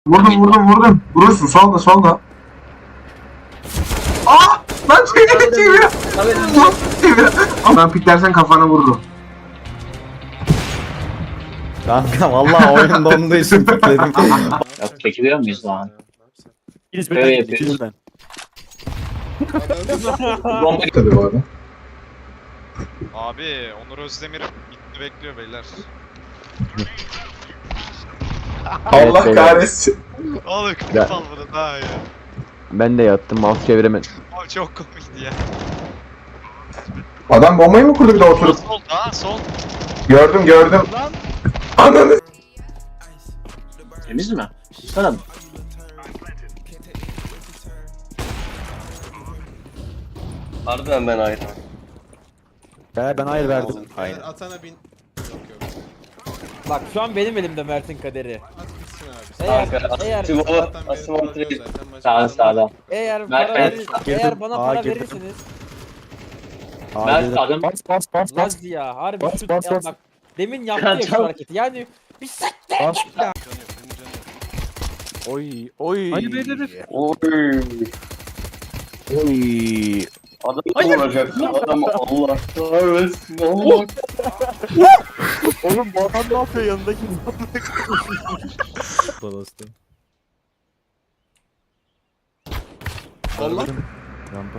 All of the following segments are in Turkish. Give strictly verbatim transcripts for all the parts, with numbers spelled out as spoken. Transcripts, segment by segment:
Vurdum vurdum vurdum. Vurursun solda solda. Aa! Lan çevir çevir. Lan çevir. Ben piklersen kafana vururum. Kanka vallahi oyun donduğu için dedim. Ya çekiliyor muyuz lan? İkiniz Öyle birden, yapıyoruz. ikiniz birden. Bomba Tabii bu arada. Abi Onur Özdemir bitti bekliyor beyler. Allah Evet, kahretsin. Oğlum Ya. klip al bunu daha iyi. Ben de yattım mouse çeviremedim. Abi çok komikti ya. Adam bombayı mı kurdu bir de Sol oturup? sol daha sol. Gördüm gördüm. Ananı. temiz mi? Sana Harbiden ben ayrı. He ben hayır verdim. Aynen. Atana bin. Yok yok. Bak şu an benim elimde Mert'in kaderi. At gitsin abi. Eğer Kanka, eğer Asim o, Zaten beni Asim o bırakıyor direkt. zaten, maç Sağ kazanır. sağdan. eğer Mert, para Mert. verir, Girdim. eğer bana Aa, para girdim. verirseniz Hayır. Mert adam Bas bas bas bas. Laz ya harbi Bas, şu bas, ya bas. bak demin yaptı ya şu Tamam. hareketi yani bir sek Bas. Canı yok, benim canı yok. Oy oy. Hayır, hayır, hayır. Oy. Oy. Adam olacak. Adam Allah kahretsin. Allah. Oğlum bu adam ne yapıyor yanındaki? Balasın. Allah. Rampa.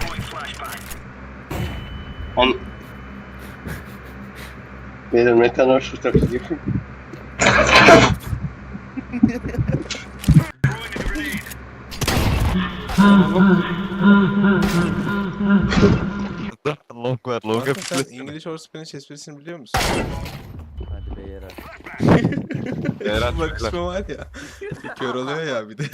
On. Beyler ne kadar şu takı yapayım. Long var long Kanka sen English or Spanish esprisini biliyor musun? Hadi be yere. Bak kısmı var ya. Kör oluyor ya bir de.